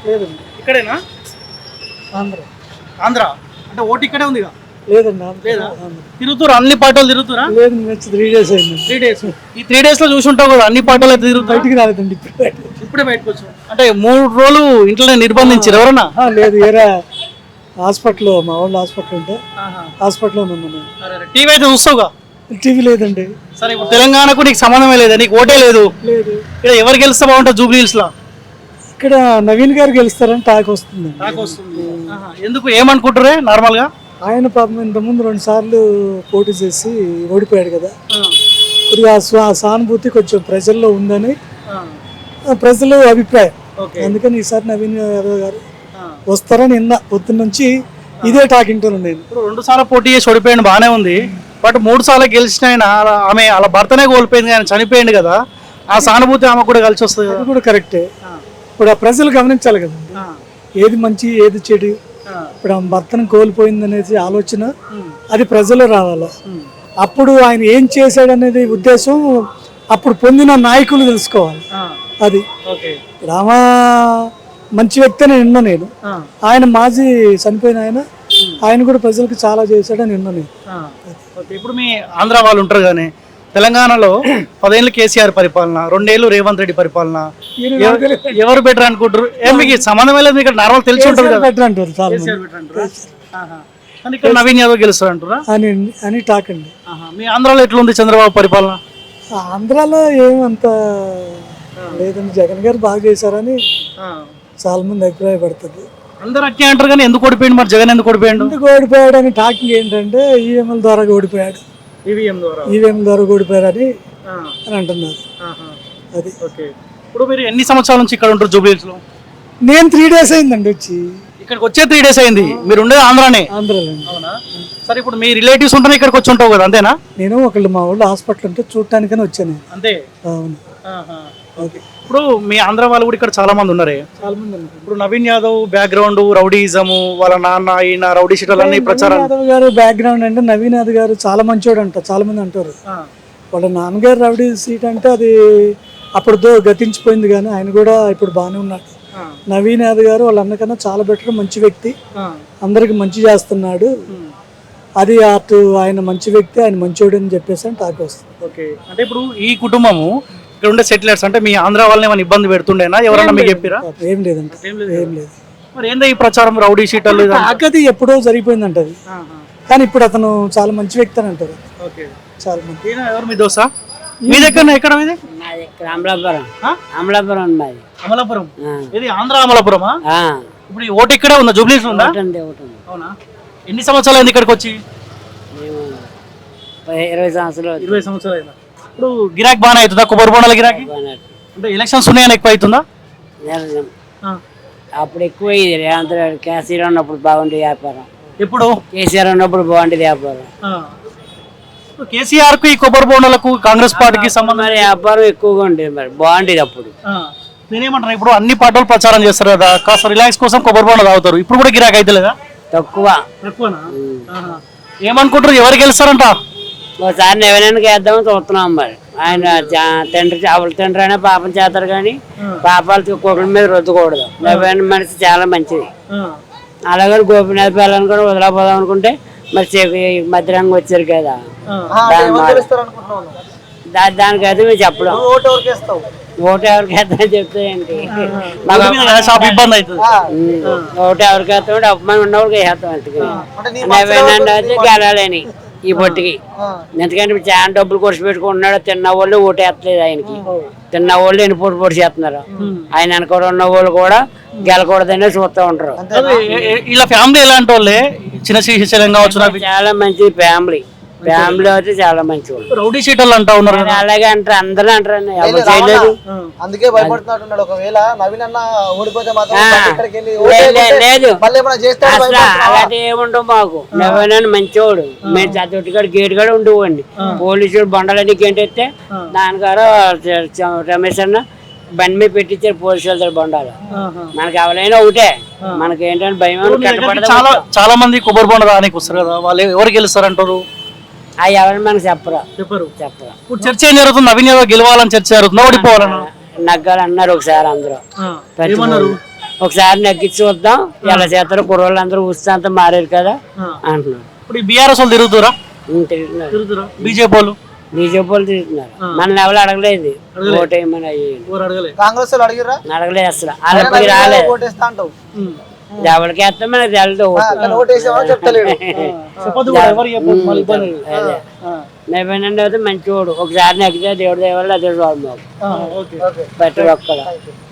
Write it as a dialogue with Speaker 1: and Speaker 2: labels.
Speaker 1: లేదండి.
Speaker 2: ఇక్కడేనా?
Speaker 1: ఆంధ్ర.
Speaker 2: ఆంధ్ర అంటే ఓటు ఇక్కడే ఉందిగా?
Speaker 1: లేదండి.
Speaker 2: లేదా? తిరుగుతురా అన్ని పార్టీలు తిరుగుతురా?
Speaker 1: లేదు, వచ్చి 3 days అయింది.
Speaker 2: 3 days. ఈ 3 days లో చూసుంటావు కదా అన్ని పార్టీలు అయితే తిరుగుతాయి.
Speaker 1: బయటికి రాలేదండి
Speaker 2: ఇప్పుడే బయటకు వచ్చావు. అంటే 3 రోజులు ఇంట్లోనే నిర్బంధించారు ఎవరన్నా?
Speaker 1: లేదు, వేరే హాస్పిటల్, మా వాళ్ళు హాస్పిటల్ ఉంటే హాస్పిటల్లో ఉన్నాను.
Speaker 2: టీవీ అయితే చూస్తావుగా?
Speaker 1: టీవీ లేదండి.
Speaker 2: సరే, ఇప్పుడు తెలంగాణకు నీకు సంబంధమే లేదా? నీకు ఓటే లేదు.
Speaker 1: లేదు.
Speaker 2: ఇక్కడ ఎవరు గెలిస్తే బాగుంటుంది జూబ్లీ హిల్స్ లో?
Speaker 1: ఇక్కడ నవీన్ గారు గెలుస్తారని టాక్ వస్తుంది.
Speaker 2: ఎందుకు, ఏమనుకుంటారే నార్మల్ గా?
Speaker 1: ఆయన పాపం ఇంతకుముందు 2 సార్లు పోటీ చేసి ఓడిపోయాడు కదా, కొద్దిగా సానుభూతి కొంచెం ప్రజల్లో ఉందని ప్రజల అభిప్రాయం. అందుకని ఈసారి నవీన్ యాదవ్ గారు వస్తారని నిన్న పొద్దున్న నుంచి ఇదే టాక్ ఇంటాను నేను.
Speaker 2: ఇప్పుడు 2 సార్లు పోటీ చేసి ఓడిపోయాడు బాగానే ఉంది, బట్ 3 సార్లు గెలిచిన ఆయన ఆమె అలా భర్తనే కోల్పోయింది, ఆయన చనిపోయింది కదా, ఆ సానుభూతి ఆమె కూడా కలిసి వస్తుంది.
Speaker 1: అది కూడా కరెక్టే. ఇప్పుడు ఆ ప్రజలు గమనించాలి కదండి, ఏది మంచి ఏది చెడు. ఇప్పుడు ఆమె భర్తను కోల్పోయింది అనేది ఆలోచన అది ప్రజలు రావాలి. అప్పుడు ఆయన ఏం చేశాడనేది ఉద్దేశం అప్పుడు పొందిన నాయకులు తెలుసుకోవాలి. అది రామా మంచి వ్యక్తి అని విన్నా నేను. ఆయన మాజీ చనిపోయిన ఆయన కూడా ప్రజలకు చాలా చేశాడని విన్నా నేను.
Speaker 2: ఇప్పుడు మీ ఆంధ్ర వాళ్ళు ఉంటారు కానీ తెలంగాణలో 10 ఏళ్ళు కేసీఆర్ పరిపాలన, 2 ఏళ్ళు రేవంత్ రెడ్డి పరిపాలన, ఎవరు బెటర్ అనుకుంటారు? మీకు సంబంధం లేదు, ఇక్కడ నార్మల్ తెలిసి ఉంటుంది కదా.
Speaker 1: బెటర్ అంటారు చాలా
Speaker 2: మంది. ఇక్కడ నవీన్ యాదవ్ గెలుస్తారు అంటారా
Speaker 1: అని టాక్ అండి.
Speaker 2: మీ ఆంధ్రాలో ఎట్లుంది చంద్రబాబు పరిపాలన?
Speaker 1: ఆంధ్రాలో ఏమంత లేదండి, జగన్ గారు బాగా చేశారని చాలా మంది అభిప్రాయపడుతుంది.
Speaker 2: అందరూ అట్టే అంటారు కానీ ఎందుకు ఓడిపోయాడు మరి జగన్? ఎందుకు ఓడిపోయాడు?
Speaker 1: ఎందుకు ఓడిపోయాడు అని టాకింగ్ ఏంటంటే ఈవీఎంల ద్వారా ఓడిపోయాడు, ఈవీఎం ద్వారా ఓడిపోయారని అంటున్నారు. అది
Speaker 2: ఇప్పుడు మీరు ఎన్ని సంవత్సరాల నుంచి ఇక్కడ ఉంటారు జూబ్లీ హిల్స్ లో?
Speaker 1: నేను 3 days అయిందండి వచ్చి.
Speaker 2: ఇక్కడికి వచ్చే 3 days అయింది. మీరు ఉండేది ఆంధ్రానే?
Speaker 1: ఆంధ్రాలో.
Speaker 2: అవునా? సరే, ఇప్పుడు మీ రిలేటివ్స్ ఉంటే ఇక్కడికి వచ్చి ఉంటావు కదా, అంతేనా?
Speaker 1: నేను ఒకళ్ళు మా వాళ్ళు హాస్పిటల్ ఉంటే చూడటానికని వచ్చాను.
Speaker 2: అంతే?
Speaker 1: అవును.
Speaker 2: ఇప్పుడు మీ ఆంధ్ర వాళ్ళు కూడా ఇక్కడ చాలా మంది ఉన్నారే.
Speaker 1: చాలా మంది.
Speaker 2: ఇప్పుడు నవీన్ యాదవ్ బ్యాక్గ్రౌండ్ రౌడీజము, వాళ్ళ నాన్న ఈయన రౌడీ షీటర్లు అన్ని ప్రచారం.
Speaker 1: యాదవ్ గారు బ్యాక్గ్రౌండ్ అంటే నవీన్ యాదవ్ గారు చాలా మంచోడు అంట, చాలా మంది అంటారు. వాళ్ళ నాన్నగారు రౌడీ సీట్ అంటే అది అప్పుడు గతించిపోయింది, కానీ ఆయన కూడా ఇప్పుడు బాగానే ఉన్నాడు. నవీన్ యాదవ్ గారు వాళ్ళ అన్నకన్నా చాలా బెటర్, మంచి వ్యక్తి, అందరికి మంచి చేస్తున్నాడు. అది అటు ఆయన మంచి వ్యక్తి, ఆయన మంచోడు అని చెప్పేసి అని టాక్ వస్తుంది.
Speaker 2: అంటే ఇప్పుడు ఈ కుటుంబము ఇక్కడ ఉండే సెటిలర్స్ అంటే మీ ఆంధ్ర వాళ్ళని ఏమైనా ఇబ్బంది పెడుతుండేనా? ఎవరన్నా మీకు చెప్పారా?
Speaker 1: ఏం లేదంట, ఏం లేదు.
Speaker 2: మరి ఏందో ఈ ప్రచారం రౌడీ షీటర్లు?
Speaker 1: అది ఎప్పుడో జరిగిపోయిందంట అది, కానీ ఇప్పుడు అతను చాలా మంచి వ్యక్తి అని అంటారు చాలా మంది.
Speaker 2: ఎవరు మీ దోస? మీ దగ్గర ఎక్కడ? మీది
Speaker 3: అమలాపురం.
Speaker 2: అమలాపురం? ఇది ఆంధ్ర అమలాపురమా? ఇప్పుడు ఈ ఓటు ఇక్కడే ఉందా? జూబ్లీ హిల్స్ ఉందా? అవునా? ఎన్ని సంవత్సరాలు అయింది ఇక్కడికి వచ్చి?
Speaker 3: 20 సంవత్సరాలు.
Speaker 2: 20 సంవత్సరాలు అయిందా? ఇప్పుడు గిరాకీ బాగానే అవుతుందా? కొబ్బరి బొండాల గిరాకీ అంటే ఎలక్షన్స్ ఉన్నాయని ఎక్కువ అవుతుందా?
Speaker 3: అప్పుడు ఎక్కువ రేవంత్ రెడ్డి కేసీఆర్ ఉన్నప్పుడు బాగుండేది వ్యాపారం.
Speaker 2: ఎప్పుడు?
Speaker 3: కేసీఆర్ ఉన్నప్పుడు బాగుండేది వ్యాపారం.
Speaker 2: కేసీఆర్ కు ఈ కొబ్బరి బొండాలకు కాంగ్రెస్ పార్టీకి సంబంధం?
Speaker 3: వ్యాపారం ఎక్కువగా ఉండేది, మరి బాగుండేది అప్పుడు.
Speaker 2: నేనేమంటున్నా, ఇప్పుడు అన్ని పార్టీలు ప్రచారం చేస్తారు కదా, కాస్త రిలాక్స్ కోసం కొబ్బరి బొండ తాగుతారు, ఇప్పుడు కూడా గిరాకీ అయితే లేదా?
Speaker 3: తక్కువ.
Speaker 2: ఏమనుకుంటారు, ఎవరు గెలుస్తారంట?
Speaker 3: ఒకసారి నవీనానికి వేద్దామని చూస్తున్నాం. మరి ఆయన తండ్రి చేపల తండ్రి అయినా పాపం చేస్తారు, కానీ పాపాలు కుక్కల మీద రుద్దకూడదు. నవీన మనిషి చాలా మంచిది. అలాగే గోపినాథ్ పిల్లలను కూడా వదిలేపోదాం అనుకుంటే మరి మధ్యరంగం వచ్చారు కదా, దానికైతే మీరు చెప్పడం. ఓటు ఎవరికి వేస్తామని చెప్తాయండి, ఓటు ఎవరికి వేస్తామంటే అపమానం ఉన్నవాడికి వేస్తాం. అందుకని నవీన అయితే గెలాలని ఈ పొట్టికి, ఎందుకంటే చాలా డబ్బులు ఖర్చు పెట్టుకుంటున్నాడు. తిన్న వాళ్ళు ఓటు వేస్తలేదు ఆయనకి, తిన్న వాళ్ళు ఎన్ని పొట్టు పొడి చేస్తున్నారు. ఆయన వెనక ఉన్న వాళ్ళు కూడా గెలకూడదనే చూస్తూ ఉంటారు.
Speaker 2: ఇలా ఫ్యామిలీ ఎలాంటి వాళ్ళే? చిన్న శ్రీశైలం కావచ్చు,
Speaker 3: చాలా మంచి ఫ్యామిలీ. ఫ్యామిలీ అయితే చాలా మంచి వాళ్ళు.
Speaker 2: రౌడీ షీటర్లు అంటా ఉన్నారు,
Speaker 3: అలాగే అంటారు, అందరూ అంటారు. ఎవరు చేయలేదు,
Speaker 4: అందుకే భయపడుతున్నట్టున్నాడు. ఒకవేళ నవీన్ అన్న ఓడిపోతే
Speaker 3: లేదు అలాంటి ఏముండవు మాకు. నవీన్ మంచివాడు, మేము చదువుటికాడు గేట్ కూడా ఉండేవాడిని. పోలీసులు బండలన్నీ గెంటెత్తే నాన్నగారు రమేష్ అన్న బండి మీద పెట్టించారు పోలీసు వాళ్ళ బండాలు. మనకి ఎవరైనా ఒకటే, మనకి ఏంటంటే భయం.
Speaker 2: చాలా మంది కొబ్బరి బొండ రానికి వస్తారు కదా, వాళ్ళు ఎవరు గెలుస్తారంటారు?
Speaker 3: అవి ఎవరైనా మనకు చెప్పరు.
Speaker 2: ఇప్పుడు చర్చ ఏం జరుగుతుంది? నవీన్ యాదవ్ గెలవాలని చర్చ జరుగుతుంది, ఓడిపోవాలన్నా
Speaker 3: నగ్గాలన్నారు ఒకసారి అందరూ. ఒకసారి నెగ్గించి చూద్దాం ఎలా చేస్తారో కుర్రోళ్ళు అందరూ ఉత్సాహంతో మారారు కదా అంటున్నారు.
Speaker 2: ఇప్పుడు ఈ బీఆర్ఎస్ వాళ్ళు తిరుగుతురా
Speaker 3: తిరుగుతున్నారు
Speaker 2: బీజేపీ వాళ్ళు
Speaker 3: బీజేపీ వాళ్ళు తిరుగుతున్నారు. మన ఎవరు అడగలేదు ఓటేయమని అయ్యి
Speaker 4: కాంగ్రెస్ వాళ్ళు అడిగిర్రా
Speaker 3: అడగలేదు అసలు వాళ్ళకి రాలేదు.
Speaker 4: ఓటేస్తా అంటావు
Speaker 3: ఎవరికి వేస్తాం మనకు తెలదు
Speaker 4: కానీ ఓటేసామని చెప్తలేడు
Speaker 2: చెప్పదు కూడా, ఎవరు చెప్పదు, మళ్ళీ ఇబ్బంది.
Speaker 3: నవ్వేనండి అయితే మంచివాడు ఒకసారి నెగ్గితే దేవుడి దేవాళ్ళు అదే చూడదు
Speaker 2: ఓకే
Speaker 3: ప్రతి ఒక్కరు